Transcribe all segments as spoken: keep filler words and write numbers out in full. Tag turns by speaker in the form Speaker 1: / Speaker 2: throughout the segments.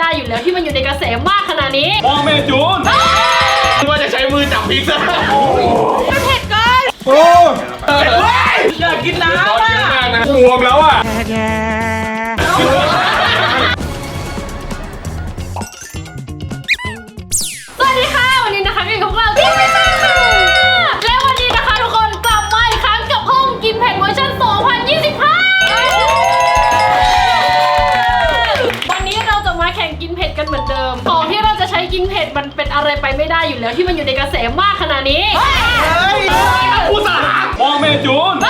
Speaker 1: ได้อยู่แล้วที่มันอยู่ในกระแสมากขนาดนี้
Speaker 2: พ่อแม่จูนว่าจะใช้มือจับพริกซะ
Speaker 1: มันเผ็ดเกิน
Speaker 2: โอ้
Speaker 3: ยอยากกินน้ำอ่ะ
Speaker 2: รวมแล้วอ่ะ
Speaker 1: สวัสดีค่ะวันนี้นะคะกินกับเรากินเผ็ดค่ะและวันนี้นะคะทุกคนกลับมาอีกครั้งกับห้องกินเผ็ดเวอร์ชันสองพันยี่สิบห้าวันนี้เราจะมาแข่งกินเผ็ดกันเหมือนเดิมของที่เราจะใช้กินเผ็ดมันเป็นอะไรไปไม่ได้อยู่แล้วที่มันอยู่ในกระแสมากขนาดนี้
Speaker 2: ผู้สาพ่อแม่จูน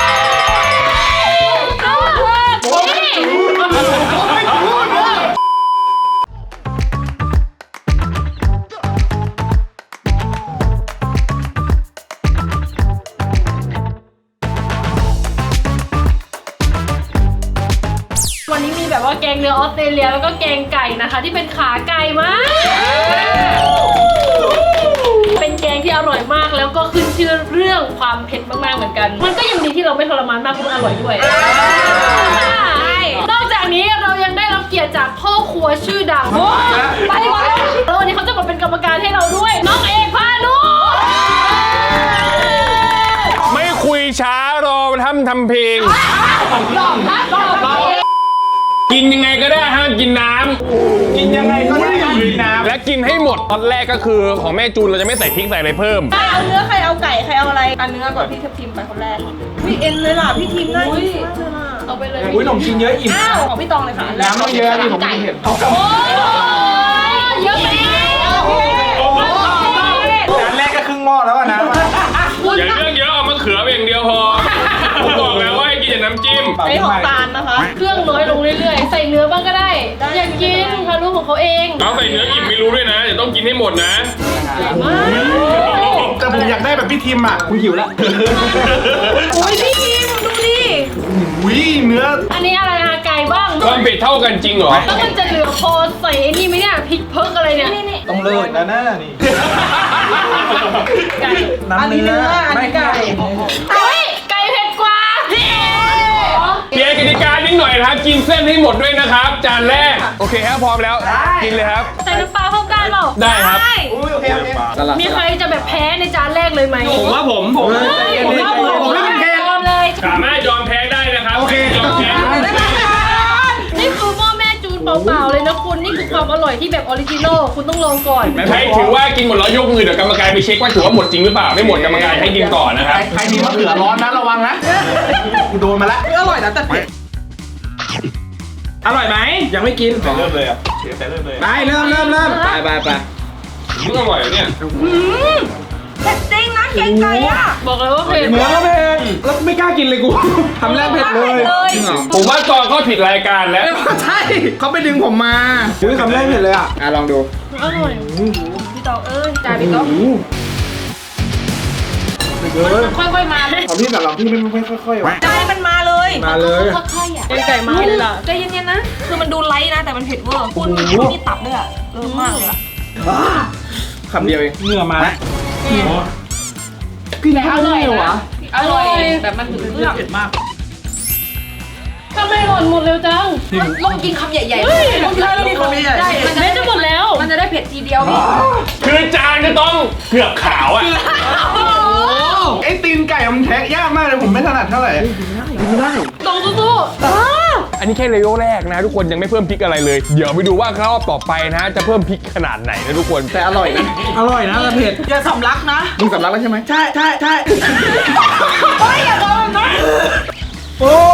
Speaker 1: วันนี้มีแบบว่าแกงเนื้อออสเตรเลียแล้วก็แกงไก่นะคะที่เป็นขาไก่มากเป็นแกงที่อร่อยมากแล้วก็ขึ้นชื่อเรื่องความเผ็ดมากๆเหมือนกันมันก็ยังดีที่เราไม่ทรมานมากเพราะมันอร่อยด้วยนอกจากนี้เรายังได้รับเกียรติจากพ่อครัวชื่อดังไปก่อนแล้ววันนี้เขาจะมาเป็นกรรมการให้เราด้วยน้องเอกพานุ
Speaker 2: ไม่คุยช้ารอทำทำเพลงกินยังไงก็ได้ห้ามกินน้ำกินยังไงก็ได้ห้ามกินน้ำและกินให้หมดตอนแรกก็คือของแม่จูนเราจะไม่ใส่พริกใส่อะไรเพิ่ม
Speaker 3: ใครเอาเนื้อใครเอาไก่ใครเอาอะไรเอาเนื้อก่อนพี่ทับทิมไปคนแรกพี่เอ็นเลยล่ะพี่ทิมน่ากินมากเลยล่ะ
Speaker 1: เอาไปเลย
Speaker 4: อุ้ยขนมชิ้นเยอะอิ่ม
Speaker 3: อ้าวของพี่ตองเลยค่ะ
Speaker 4: น้ำไม่เยอะนี่ผมไม่เห็น
Speaker 1: โอ้เยอะไป
Speaker 4: จานแรกก็ครึ่งหม้อแล้วนะ
Speaker 2: อย่าเรื่องเยอะเอามะเขืออย่างเดียวพอผมบอกแล้วว่าให้กินแต่น้ำจิ้ม
Speaker 3: ไอ้ของตาลนะคะ
Speaker 1: เครื่องน้อยลงเรื่อยๆใส่เนื้อบ้างก็ได้อยากกินพานุของเขาเอง
Speaker 2: เอาใส่เนื้ออิ่มไม่รู้ด้วยนะเดี๋ยวต้องกินให้หมดนะ
Speaker 4: แต่ผมอยากได้แบบพี่ทิมอ่ะคุณหิวแล้ว
Speaker 3: โอ้ยพี่ทิมดูดิ
Speaker 4: อุ้ยเนื้อ
Speaker 1: อันนี้อะไรอะไก่บ้าง
Speaker 2: ความเผ็ดเท่ากันจริงเหรอ
Speaker 1: แล้วมันจะเหลือพอใส่ไอ้นี่ไหมเนี่ยพริกเพิกอะไรเนี่ย
Speaker 4: ต้องเลิศนะน่านี่
Speaker 3: ไก่อันนี้เนื้ออันนี้ไก่
Speaker 1: เฮ้ยไก่เผ็ดกว่า
Speaker 2: เพียงกติกานิดหน่อยนะครับกินเส้นให้หมดด้วยนะครับจานแรกโอเคครับพร้อมแล้วกินเลยครับ
Speaker 1: ใส่น้ำปลาเข้ากันหรอ
Speaker 2: ได้ครับ
Speaker 4: โอเคโอเค
Speaker 1: มีใครจะแบบแพ้ในจานแรกเลยไหม
Speaker 2: ผมว่าผมผม
Speaker 1: ผมว่าผมผมไม่เป็นแพ้เลย
Speaker 2: สามารถยอมแพ้ได้นะครับ
Speaker 4: โอเค
Speaker 2: ยอมแพ้
Speaker 1: นี่คือพ่อแม่จูนเปล่าๆเลยนะคุณนี่คือความอร่อยที่แบบออริจินอลคุณต้องลองก่อน
Speaker 2: ไม่ถือว่ากินหมดแล้วยกมือเดี๋ยวกรรมการไปเช็คว่าถือว่าหมดจริงหรือเปล่าไม่หมดกรรมการให้กินก่อนนะครับ
Speaker 4: ใครมีมะเขือร้อนนะระวังนะกูโดนมาแล้ว
Speaker 3: อร่อยนะแต่เผ็ด
Speaker 4: อร่อยไหมยังไม่กิน
Speaker 2: เริ่มเลยอ่ะเริ่มเลย
Speaker 4: ไปเริ่มเริ่มเริ่มไปไปไป
Speaker 2: อร่อยเนี่ย
Speaker 3: เผ็ดจริงนะแกงไก่อะ
Speaker 1: บอกเลยว่าเผ็ด
Speaker 4: เนื้อเผ็ดแล้วไม่กล้ากินเลยกูทำแรกเผ็ดเลย
Speaker 2: ผมว่าก่อนก็ผิดรายการแล้ว
Speaker 4: ใช่เขาไปดึงผมมาอุ้ยทำแรกเผ็ดเลยอ่ะอ่ะลองดู
Speaker 1: อร่อย
Speaker 3: พี่ตองเอ้ยจ่ายพี่ตอง
Speaker 1: ค่อยๆมา
Speaker 4: ของพี่แต่เราพี่ไม่ไม่ค่อยๆ
Speaker 3: ใจมันมาเลย
Speaker 4: มาเลย
Speaker 1: ค่อยๆอ่ะไก่มาเลยล่ะ
Speaker 3: ใจเย็นๆนะคือมันดูไลท์นะแต่มันเผ็ดเวอร์คุณนี่ตับด้วยอ่ะเออมากเลยอ่ะ
Speaker 4: คำเดียวเอง
Speaker 2: เนื้อมา
Speaker 4: กินอร่อยวะ
Speaker 3: อร่อยแบบมันถึงเครื่อง
Speaker 4: เผ็ดมาก
Speaker 1: ทำไมหล่นหมดเร็วจัง
Speaker 3: ลองกินคำใหญ่ๆลองกินคำใหญ่ๆได้
Speaker 1: มันจะหมดแล้ว
Speaker 3: มันจะได้เผ็ดทีเดียว
Speaker 2: คือจานจะต้องเกือบขาวอ่ะ
Speaker 4: ไอ้ตีนไก่มันแทะยากมากเลยผมไม่ถนัดเท่าไหร่กินได้กินได้
Speaker 1: ตรงสู้
Speaker 2: ๆอันนี้แค่เลเวลแรกนะทุกคนยังไม่เพิ่มพริกอะไรเลยเดี๋ยวไปดูว่ารอบต่อไปนะจะเพิ่มพริกขนาดไหนนะทุกคน
Speaker 4: แต่อร่อยนะอร่อยนะแต่เผ็ด
Speaker 3: อย่าสำลักนะ
Speaker 4: มึงสำลักแล้วใช่ไหมใช่ใช่ใช่
Speaker 3: เฮ้ยอย่าโดนนะ
Speaker 4: โอ้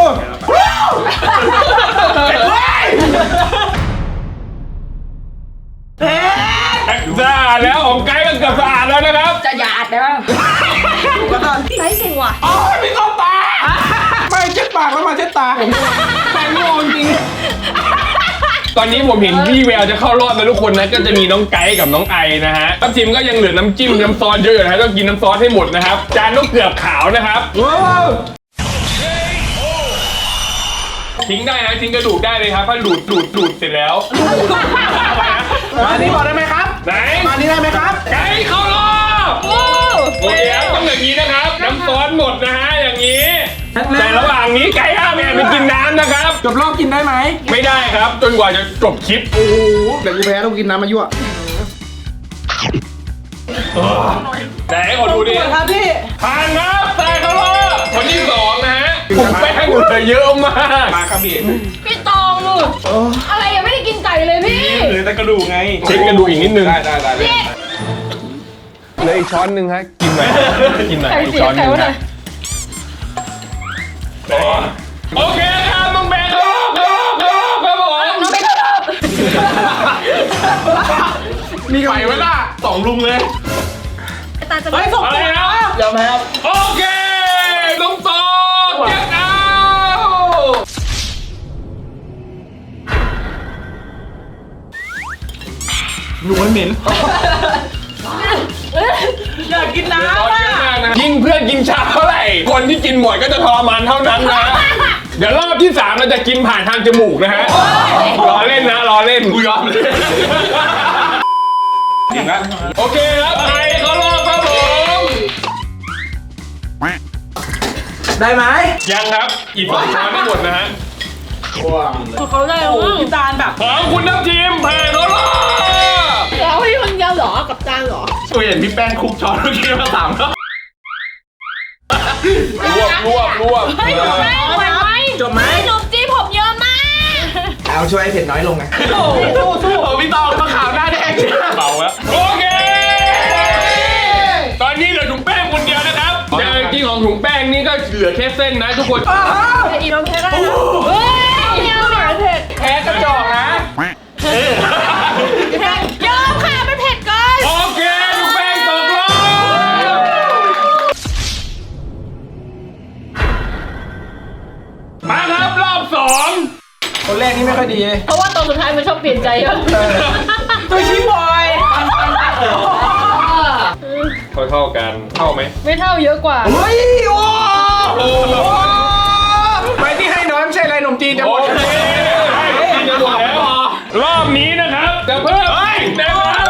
Speaker 2: สะอาดแล้วของไก่ก็เกือบสะอาดแล้วนะครับ
Speaker 3: จะหยาดได้ป่ะก็ตอนไก่เก่งว่ะ
Speaker 4: อ๋อพี่เข้าตาไม่เช็ดปากแล้วมาเช็ดตาแป้งงงจริง
Speaker 2: ตอนนี้ผมเห็นพี่แววจะเข้ารอบแล้วทุกคนนะก็จะมีน้องไก่กับน้องไอนะฮะทัพทีมก็ยังเหลือน้ำจิ้มน้ำซอสเยอะอยู่นะฮะต้องกินน้ำซอสให้หมดนะครับจานต้องเกือบขาวนะครับทิ้งได้นะทิ้งกระดูกได้เลยครับถ้าดูดดูดดูดเสร็จแล้ว
Speaker 4: มานี่บอกได้ไหมครับ
Speaker 2: ไหน
Speaker 4: มานี่ได้ไหมครับ
Speaker 2: ไก่เข้ารอบโอเคครับต้องอย่างนี้นะครับน้ำซอสหมดนะฮะอย่างนี้แต่ระหว่างนี้ไก่ห้ามแอบไปกินน้ำนะครับ
Speaker 4: จบรอบกินได้ไหม
Speaker 2: ไม่ได้ครับ จนกว่าจะจบคลิป
Speaker 4: โอ้โหเดี๋ยวกูแพ้ต้องกินน้ำมายั่ว
Speaker 2: ไหนขอดูดิ
Speaker 3: ครับพี่
Speaker 2: ผ่านครับแต่เขารอบคนที่สองนะฮะผมแป้งเหลือเยอะมาก
Speaker 4: มาครับพี่
Speaker 1: พี่ตองลูกอะไรยังไม่ได้กินไก่เลยพี่
Speaker 4: เหลือแต่กระดูกไง
Speaker 2: เช็คกระดูกอีกนิดนึง
Speaker 4: ได้ได้ได้
Speaker 1: พี่
Speaker 2: เหลืออีกช้อนหนึ่งฮะกินหน่อยกินหน่อย
Speaker 1: ไก่
Speaker 2: อีก
Speaker 1: เสีย
Speaker 2: ช้อนห
Speaker 1: ไก่
Speaker 2: นึ่ง
Speaker 1: วะ
Speaker 2: ฮะ
Speaker 1: เนี่ย
Speaker 2: โอเคครับน้องแบงค์ครับครับครับผม
Speaker 1: น้องไม่เข้ารอบ
Speaker 4: มีไก่ไว้ล่ะสองลุงเลย
Speaker 1: ตาจะ
Speaker 3: เฮ้ยส่ง
Speaker 2: อะไร
Speaker 3: ตัว
Speaker 2: นะ
Speaker 3: เดี๋ยวแพ้ครับ
Speaker 2: โอเคน้องตองเจ็ดเอา
Speaker 4: หนูมันเหม็น
Speaker 3: อยากกิน
Speaker 2: ตอน
Speaker 3: น้ำ
Speaker 2: เย
Speaker 3: อ่ะ
Speaker 2: อะมากนะยิ่งเพื่อนกินชาเท่าไหร่ คนที่กินหมดก็จะทรมานเท่านั้นนะ เดี๋ยวรอบที่สามเราจะกินผ่านทางจมูกนะฮะรอเล่นนะรอเล่น
Speaker 4: กูยอมเลย
Speaker 2: จริงนะโอเคครับไอเขารอบครับผม
Speaker 4: ได้ไหม
Speaker 2: ยังครับอีกสองช้อนไม่หมดนะฮะ
Speaker 1: เขาได้แล้ว
Speaker 3: โอ้โหพี่ตาลแบบ
Speaker 2: ของคุณทัพทีมผ่านเขารอบ
Speaker 1: แล้วพี่คนเดียวเหรอกับจานเหรอ
Speaker 4: ตัวเห็นพี่แป้งคุกช้อนเมื่อกี้มาสามครับ
Speaker 2: รวบรวบรวบ
Speaker 1: เฮ้ยจบไหมไหวไหม
Speaker 4: จบไหม
Speaker 1: ขนมจีบผมเยอะมาก
Speaker 4: เอาช่วยให้เผ็ดน้อยลงนะ
Speaker 3: สู้สู้สู้
Speaker 4: โอ้พี่ตองมาข่าวหน้าแดง
Speaker 2: เบาแล้วโอเค ตอนนี้เหลือถุงแป้งคนเดียวนะครับแต่จริงๆของถุงแป้งนี่ก็เหลือแค่เส้นนะทุกคน
Speaker 1: อีน้องเพชรได้แล้วเฮ้ยเยอะมากเผ็ด
Speaker 4: แพ้กระจอกนะ
Speaker 1: เผ็ดเยอะค่ะมันเผ็ดเกิน
Speaker 2: โอเคถุงแป้งตกรอบมาครับรอบสอง
Speaker 4: คนแรกนี่ไม่ค่อยดี
Speaker 1: เพราะว่าตอนสุดท้ายมันชอบเปลี่ยนใจเยอะ
Speaker 3: ตัวชี้บอย
Speaker 2: เท่าๆกันเท่าไหม
Speaker 1: ไม่เท่าเยอะกว่า
Speaker 4: เฮ้ยโอ้
Speaker 2: โอ้โห
Speaker 4: ไปที่ให้น้อยไม่ใช่อะไรขนมจีนจะห
Speaker 2: โอ
Speaker 4: มด
Speaker 2: เคจะหมดแล้วรอบนี้นะครับจะเพิ่มนะครับ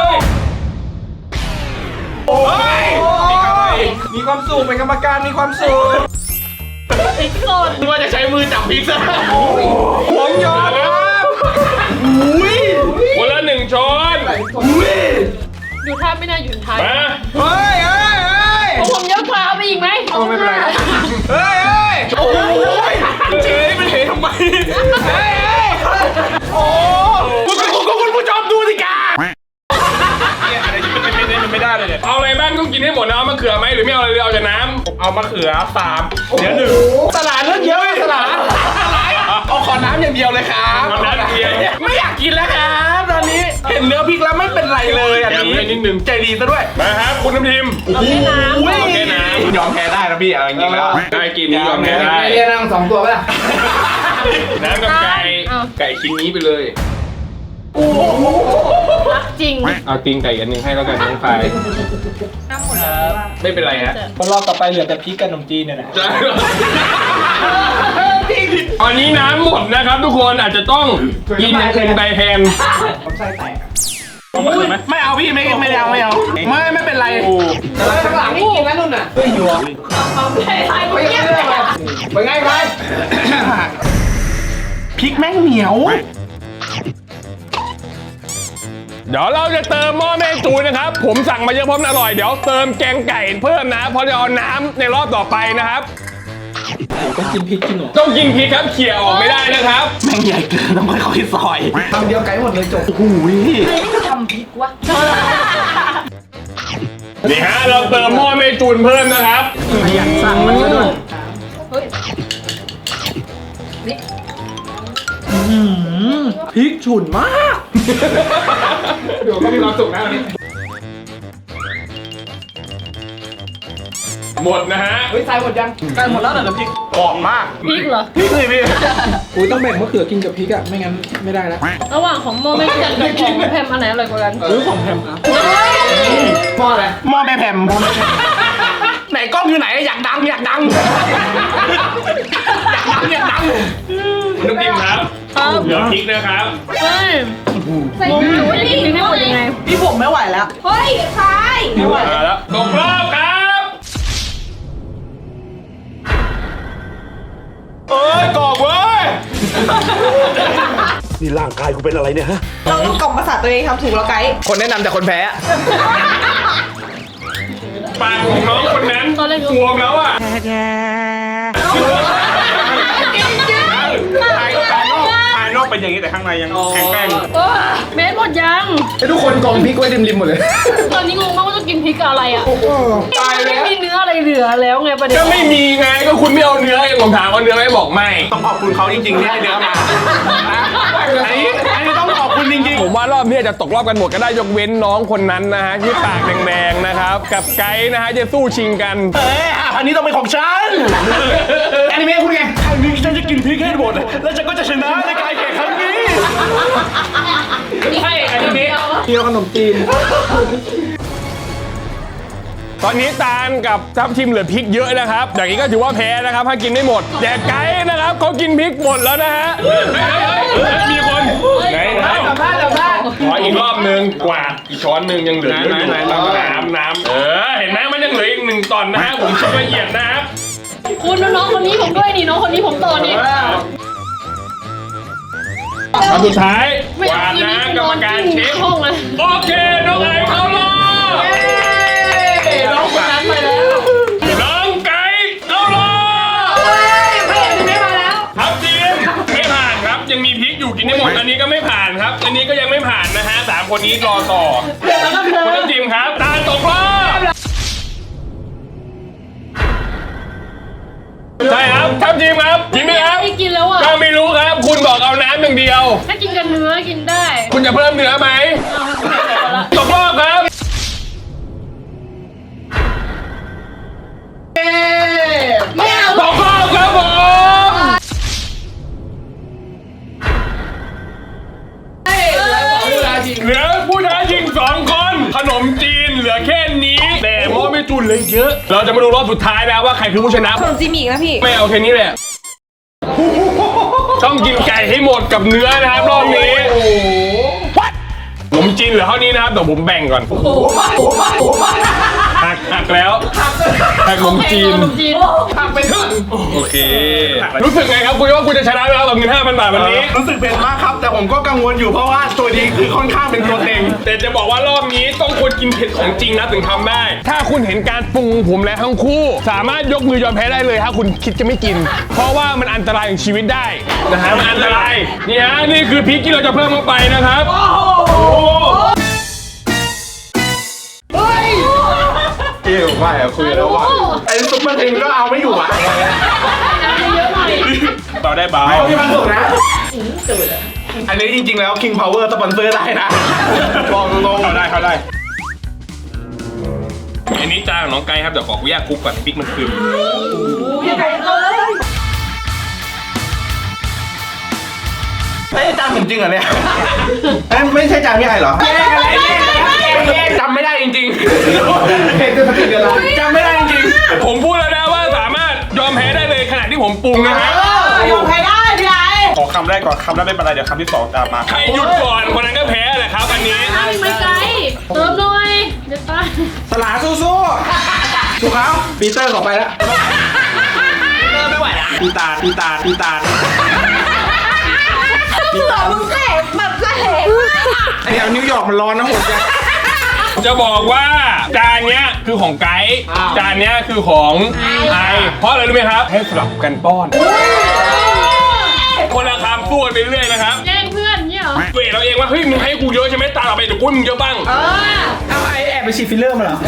Speaker 4: โอ้ยมีความสุขเป็นกรรมการมีความสุข
Speaker 1: พริกสด
Speaker 2: นึกว่าจะใช้มือจับพริกซะ
Speaker 4: ผมยอมครับอุ้ย
Speaker 2: คนละหนึ่งช้อน
Speaker 4: อุ้ย
Speaker 1: อยู่ท่าไม่น่าอยู่ท้าย
Speaker 2: มา
Speaker 4: เฮ้ยเฮ้ยเฮ้ย
Speaker 1: ผมเยอะกว่าเอาไปอีกไหม
Speaker 4: เอาไม่เป็นไรเฮ้ยเฮ้ยโอ้ยเจ๊มันเห็นทำไมเฮ้ยเฮ้ยโอ้คุณคุณคุณคุณผู้ชมดูสิกาเนี่ยอะไรที่มันไม่ได้มันไม่ได้เลยเนี่ย
Speaker 2: เอาอะไรบ้างต้องกินให้หมดนะเอามะเขือไหมหรือไม่เอาอะไรเลยเอาแต่น้ำ
Speaker 4: เอามะเขือสามเดี๋ยวหนึ่งสลัดเรื่องเยอะสลัดอะไรเอาขอน้ำอย่างเดียวเลยครับ
Speaker 2: เอาน้ำเดียว
Speaker 4: ไม่อยากกินแล้วครับตอนนี้เห็นเนื้อพริกแล้วไม่เป็นไรเลยอัน
Speaker 2: แถม
Speaker 4: นี้
Speaker 2: ให้นิดนึง
Speaker 4: ใจดีซะด้วย
Speaker 2: มาครับคุณน้ำทิม
Speaker 1: เอาแค่น้ำ
Speaker 2: เอาแค่น้ำ
Speaker 4: ยอมแพ้ได้นะพี่เอาจริงๆแล้ว
Speaker 2: ได้กินนี้ยอมแพ้ได้
Speaker 4: เรียนนั่งสองตัวก็ได้
Speaker 2: น้ำกับไก่ไก่ชิ้นนี้ไปเลย
Speaker 1: รักจริง
Speaker 2: เอาตีนไก่อันหนึงให้แล้วกันน้องไฟ
Speaker 3: น้ำหมดแล้ว
Speaker 2: ไม่เป็นไรฮะ
Speaker 5: คนรอบต่อไปเหลือแต่พริกกับขนมจีนเนี่ยนะ
Speaker 2: ตอนนี้น้ำหมดนะครับ ทุกคนอาจจะต้องกินอย่างอื่นไปแทน
Speaker 5: ผมไส้แตกอะ
Speaker 4: ไม่เอาพี่ไม่ไม่เอาไม่เอาไม่ไม่เป็นไร
Speaker 5: แต่ข้างหลังนี่กินแล้วนุ่นน่ะเฮ้ยอยู่อ่ะ
Speaker 1: ใช่ใช่ผมเยี่ยมเลยอะ
Speaker 5: เป็นไงไป
Speaker 4: พริกแม่งเหนียว
Speaker 2: เดี๋ยวเราจะเติมหม้อแม่จูนนะครับ ผมสั่งมาเยอะเพราะมันอร่อย เดี๋ยวเติมแกงไก่เพิ่มนะ เพราะจะเอาน้ำในรอบต่อไปนะครับ
Speaker 5: ต้องกินพริกกินหนู
Speaker 2: ต้องกินพริกครับเขี่ยออกไม่ได้นะครับ
Speaker 4: แม่งใหญ่เกินต้องค่อยๆซอย
Speaker 5: ทำเดียวไก่หมดเลยจบ
Speaker 4: โอ้โห
Speaker 1: ทำพริกวะ
Speaker 2: นี่ฮะเราเติมหม้อแม่จูนเพิ่มนะครับ
Speaker 5: อยากสั่งมันซะด้วย
Speaker 1: เฮ้ย
Speaker 5: พริกฉุนมากเดี๋ยวก็มีความสุขนะวันนี้
Speaker 2: หมดนะฮะ
Speaker 5: เฮ้ยใส่หมดยังใส่หมดแล้วเหรอพริก
Speaker 4: กรอบมาก
Speaker 1: พริกเหรอ
Speaker 4: พริกเลยพี่
Speaker 5: อุ้ยต้องแบ่งมะเขือกินกับพริกอ่ะไม่งั้นไม่ได้นะ
Speaker 1: ระหว่างของโมไม่จัดกับของแพมอันไหนอร่อยกว่ากัน
Speaker 5: หรือของแพมครับหม้ออะไร
Speaker 4: หม้อแม่แผ่มไหนกล้องอยู่ไหนอยากดังอยากดังอยากดังอยากดัง
Speaker 2: คุณน้ำจิ้มครับ
Speaker 1: ครับ
Speaker 2: เหลือพริกนะครับ
Speaker 1: เฮ้ยใส่หมูไม่ได้กินให้หมดยังไง
Speaker 3: พี่ผมไม่ไหวแล้ว
Speaker 1: เฮ้ยคาย
Speaker 2: มาแล้วตกรอบครับ
Speaker 6: นี่ร่างกายกูเป็นอะไรเนี่ยฮะ
Speaker 3: เราต้องกล่อมประสาทตัวเองทำถูกแล้วไกด์
Speaker 4: คนแนะนำแต่คนแพ้
Speaker 2: ปากของน้องคนนั้น
Speaker 1: ตอนแรก
Speaker 2: บวมแล้วอ่ะ
Speaker 4: ภายนอกภายนอกเป็นอย่างนี้แต่ข้างในยังแข็งแกร่ง
Speaker 1: โอ้เม็ดหมดยัง
Speaker 5: ไอ้ทุกคนกองพริกไว้ริมๆหมดเลย
Speaker 1: ตอนนี้งงมากว่าจะกินพริกกับอะไรอ่ะ
Speaker 2: ตายแล้ว
Speaker 1: ไม่มีเนื้ออะไรเหลือแล้วไงประเด็น
Speaker 2: ก็ไม่มีไงก็คุณไม่เอาเนื้อไงผมถามเอาเนื้อไหมบอกไม่
Speaker 4: ต้องขอบคุณเขาจริงๆที่ให้เนื้อมาอันนี้อันนี้ต้องขอบคุณจริง
Speaker 2: ผมว่ารอบนี้จะตกรอบกันหมดก็ได้ยกเว้นน้องคนนั้นนะฮะที่ปากแดงๆนะครับกับไกด์นะฮะจะสู้ชิงกัน
Speaker 4: ๆเอ้ยอันนี้ต้องเป็นของฉัน
Speaker 5: แอนิเมะคุณไง
Speaker 4: ครั้งนี้ฉันจะกินพริกให้หมดแล้วฉันก็จะชนะในการแข่งครั้งนี้ใช่อันนี้
Speaker 5: เที่ยวขนมจีน
Speaker 2: ตอนนี้ตาลกับทัพทีมเหลือพริกเยอะนะครับอย่างนี้ก็ถือว่าแพ้นะครับถ้ากินไม่หมดแต่ไกด์นะครับเขากินพริกหมดแล้วนะฮะมีคนไหนไหน
Speaker 5: สัมภาษณ์สัมภาษณ์
Speaker 2: ขออีกรอบนึงกวาดอีกช้อนหนึ่งยังเหลือเยอะอยู่น้ำน้ำเออเห็นไหมมันยังเหลืออีกหนึ่งตอนนะฮะผมชิมละเอียดนะครับ
Speaker 1: คุณน้องคนนี้ผมด้วยนี่น้องคนนี้ผมต่อนี่
Speaker 2: คำสุดท้าย
Speaker 1: ไม่
Speaker 2: กวาดนะกรรมการเช็ค
Speaker 1: ห้องเลย
Speaker 2: โอเคน้องไอเข้ารอบ
Speaker 5: น้องคนนั้นไปแล้ว
Speaker 2: น้องไก่เข้ารอบ
Speaker 5: ไม่เห็นไม่มาแล้ว
Speaker 2: ครับทีมไม่ผ่านครับยังมีพริกอยู่กินได้หมดอันนี้ก็ไม่ผ่านครับ อันนี้ก็ยังไม่ผ่านนะฮะสามคนนี้รอต่อคุณทัพทีมครับตาลตกรอบใช่ครับทัพทีมครับกินไหมครับ
Speaker 1: ไม่กินแล้วอ่ะ
Speaker 2: ก็ไม่รู้ครับ คุณบอกเอาน้ำอย่างเดียว
Speaker 1: ถ้ากินกับเนื้อกินได้
Speaker 2: คุณจะเพิ่มเนื้อไหม
Speaker 1: เอาละ
Speaker 2: ตกรอบครับ
Speaker 1: ไม่เอา
Speaker 2: ตกรอบครับผมเหลือผู้ท้าชิงสองคนขนมจีนเหลือแค่นี้ แต่หม้อไม่จุนเลยเยอะ เราจะมาดูรอบสุดท้ายแล้วว่าใครคือผู้ชนะ
Speaker 3: ขนมจีนมีอีกนะพี่
Speaker 2: ไม่เอาแค่นี้แหละต้องกินไก่ให้หมดกับเนื้อนะครับรอบนี้ขนมจีนเหลือเท่านี้นะครับเดี๋ยวผมแบ่งก่อนหักหักแล้วหักขนมจีน
Speaker 1: ขนมจีน
Speaker 2: โอเค รู้สึกไงครับคุณว่าคุณจะชนะแล้วกับเงิน ห้าพัน บาทวันนี้
Speaker 4: รู้สึกเป็นมากครับ แต่ผมก็กังวลอยู่เพราะว่าตัวนี้คือค่อนข้างเป็นตัวเต็ง
Speaker 2: แต่จะบอกว่ารอบนี้ต้องคนกินเผ็ดของจริงนะถึงทำได้ ถ้าคุณเห็นการปรุงของผมและทั้งคู่ สามารถยกมือยอมแพ้ได้เลยถ้าคุณคิดจะไม่กิน เพราะว่ามันอันตรายของชีวิตได้นะฮะมันอันตรายนี่ฮะนี่คือพริกที่เราจะเพิ่มเข้าไปนะครับโอ้โห
Speaker 4: พี่ผมว่าคุยแล้วว่าไอ้ซุปเปอร์เทนก็เอาไม่อยู่อ่ะ
Speaker 1: เยอะหน่อย
Speaker 2: เบาได้เบา
Speaker 4: พี่มันสุกนะ อันนี้จริงๆแล้ว King Power สปอนเซอร์ได้นะบอกตรงๆ
Speaker 2: เข้าได้เข้าได้อันนี้จานของน้องไก่ครับเดี๋ยวขออนุญาตคลุกก่อนพริกมันคืน
Speaker 4: ไม่ใช่จานผมจริงเหรอเนี่ยเอ้ยไม่ใช่จานพี่ไอเหรอแย่อะไรแย่จำไม่ได้จริง
Speaker 5: เห็นจะสติเดือนละ
Speaker 4: ๆจำไม่ได้จริง
Speaker 2: ผมพูดแล้วนะว่าสามารถยอมแพ้ได้เลยขณะที่ผมปรุงนะฮะ
Speaker 3: ยอมใครได้พี่ไอ้
Speaker 4: ขอคำแรกก่อนคำแรกไม่เป็นไรเดี๋ยวคำที่สองตามมา
Speaker 2: ใครหยุดก่อนคนนั้นก็แพ้แหละครับอันนี้
Speaker 1: อ้าวไม่ไกลเติมหน่อยเดี๋ยวตาย
Speaker 5: สลาสู้ๆสู้เขาปีเตอร์ขอไปแล้ว
Speaker 4: ไม่ไหวนะปีตาปีตาปีตา
Speaker 3: พี่ต่อมึงแสบแบบแสบมากอะ
Speaker 5: ไอ้แถวนิวยอร์กมันร้อนนะโหดจัง
Speaker 2: จะบอกว่าจานเนี้ยคือของไกด์
Speaker 5: อ้าว
Speaker 2: จานเนี้ยคือของไอเพราะอะไรรู้ไหมครับ ให้สลับกันป้อน คนละคำสู้กันไปเรื่อยนะครับ
Speaker 1: แย่งเพื่อนเนี่ยเหรอ
Speaker 2: เวทเราเองว่าเฮ้ยมึงให้กูเยอะใช่ไหมตาเราไปเดี๋ยวกูให้มึงเยอะบ้าง
Speaker 5: เอาไอแอบไปฉีดฟิลเลอร์มาเหรอ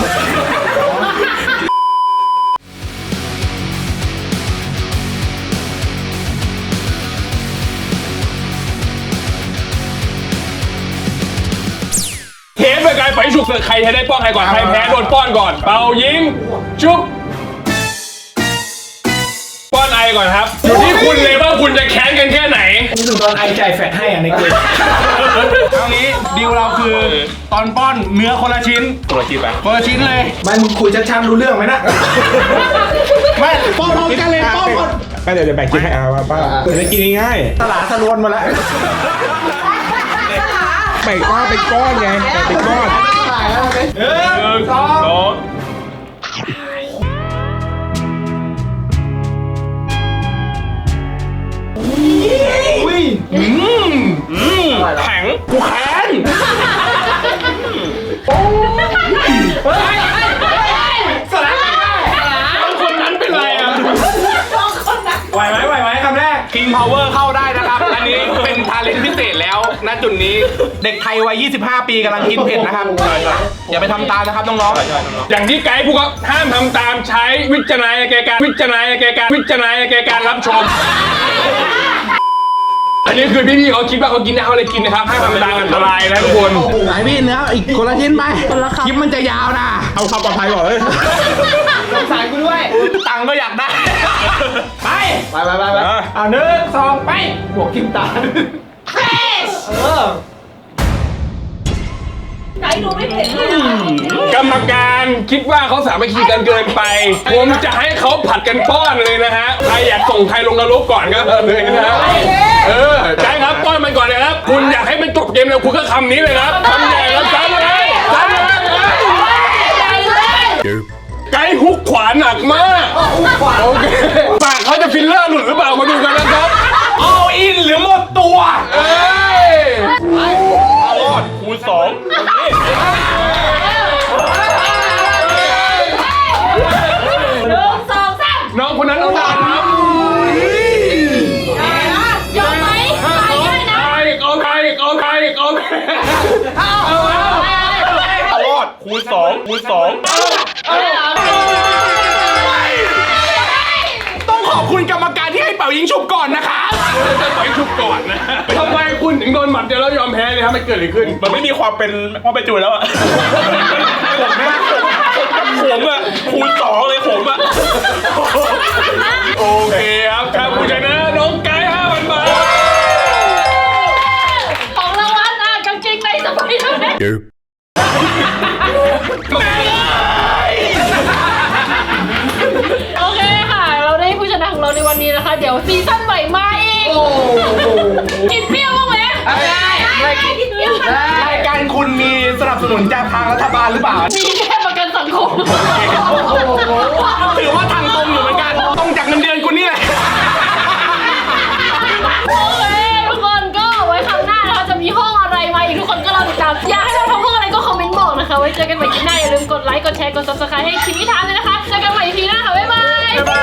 Speaker 2: เทปเป็นการไฟฉุกเกิดใครจะได้ป้อนใครก่อนใครแพ้โดนป้อนก่อน เป่ายิงชุบป้อนไอก่อนครับอยู่ที่คุณเลยว่าคุณจะแค้นกันแค่ไหน
Speaker 5: นี่ถึงตอนไอจ่ายแฟตให้อ่ะในเกม
Speaker 4: เอางี้ดีลเราคือตอนป้อนเนื้อคนละชิ้น
Speaker 2: ตัวจีบอะ
Speaker 4: คนละชิ้นเลย
Speaker 5: มันคุยชัดๆรู้เรื่องไหมนะ
Speaker 4: ไม่ป้อนพร้อมกันเลยป้อนหมด
Speaker 5: ก็เดี๋ยวจะแบ่งกินให้อาว่าป้าเปิดจะกินง่ายๆสลาสลวนมาแล้วแบ่งก้อนเป็นก้อนไงแบ่งเป็นก้อน
Speaker 2: หนึ่งสอง
Speaker 4: อืมอืมแข็งกูแข็งสลัดต้องคนนั้นเป็นไรอ่ะไหวไหมไหวไหมคำแรก King Power เข้าได้นะครับ อันนี้เป็นทาเลนต์พิเศษแล้วณจุดนี้เด็กไทยวัยยี่สิบห้าปีกำลังกินเผ็ดนะครับอย่าไปทำตามนะครับน้องๆ
Speaker 2: อย่างที่ไกด์พูดครับห้ามทำตามใช้วิจารณญาณแก่การวิจารณญาณแก่การวิจารณญาณแก่การรับชม อันนี้คือพี่ๆเขาคิดว่าเขากินได้เขาเลยกินนะครับห้ามทำตามอันตรายนะทุกคน
Speaker 5: ไหนพี่เนื้ออีกคนละชิ้นไปคลิปมันจะยาวนะ
Speaker 2: เอาความปลอดภัยก่อนเลย
Speaker 5: สายกูด้วย
Speaker 4: ตังค์ก็อยากได้ ไป
Speaker 5: ไปไปไปไปเอาหนึ่งสองไปบวกกินตาเออ
Speaker 3: ไก่ดูไม่เผ็ดเลยอะ
Speaker 2: กรรมการคิดว่าเขาสามัคคีกันเกินไป ผมจะให้เขาผัดกันป้อนเลยนะฮะใครอยากส่งใครลงนรกก่อนก็เลยนะฮะเออใช่ครับป้อนมันก่อนเลยครับคุณอยากให้มันจบเกมเร็วคุณก็คำนี้เลยครับคำใหญ่แล้วซ้ำเลยซ้ำเลยไกด์ฮุกขวาหนักมากโอเคปากเขาจะฟิลเลอร์หลุดหรือเปล่ามาดูกันนะครับ
Speaker 4: all in หรือหมดตัว
Speaker 2: เอ้ย
Speaker 4: รอดคูณสอง
Speaker 3: หนึ่งสองสาม
Speaker 2: น้องคนนั้นต้องด่าครับ
Speaker 1: ยอมไหมตายได้นะ
Speaker 2: เอาอีกเอาใครอีกเอาใครอีกเอาใครเอาเอา
Speaker 4: รอดคูณสองคูณสองต้องขอบคุณกรรมการที่ให้เป่ายิงฉุบก่อนนะครับ
Speaker 2: จะปล่อยชุบก่อนนะทำไมคุณถึงโดนหมัดเดียวแล้วยอมแพ้เลยครับมันเกิดอะไรขึ้น
Speaker 4: มันไม่มีความเป็นพ่อไปจูนแล้วอะผมนะผมอะคูณสองเลยผมอะ
Speaker 2: โอเคครับครับผู้ชนะน้องไก่ห้าพันบาท
Speaker 1: ของรางวัลอ่ะกางเกงในสไปเดอร์แมนโอเคค่ะ เราได้ผู้ชนะของเราในวันนี้นะคะ เดี๋ยวซีซั่นใหม่มาอีกกินเปรี้ยวบ้างไหมได้ได้กินเปรี้ยว
Speaker 4: รายการคุณมีสนับสนุนจากทางรัฐบาลหรือเปล่า
Speaker 1: มีแค่ประกันสังคม
Speaker 4: ถือว่าทางตรงอยู่เหมือนกันตรงจากเงินเดือนคุณนี่แหละ
Speaker 1: โอเคทุกคนก็ไว้ครั้งหน้านะคะจะมีห้องอะไรมาอีกทุกคนก็รอติดตามอยากให้เราทำห้องอะไรก็คอมเมนต์บอกนะคะไว้เจอกันใหม่ที่หน้าอย่าลืมกดไลค์กดแชร์กด ซับสไครบ์ ให้ทีมพิธานเลยนะคะเจอกันใหม่ทีหน้าค่ะบ๊ายบาย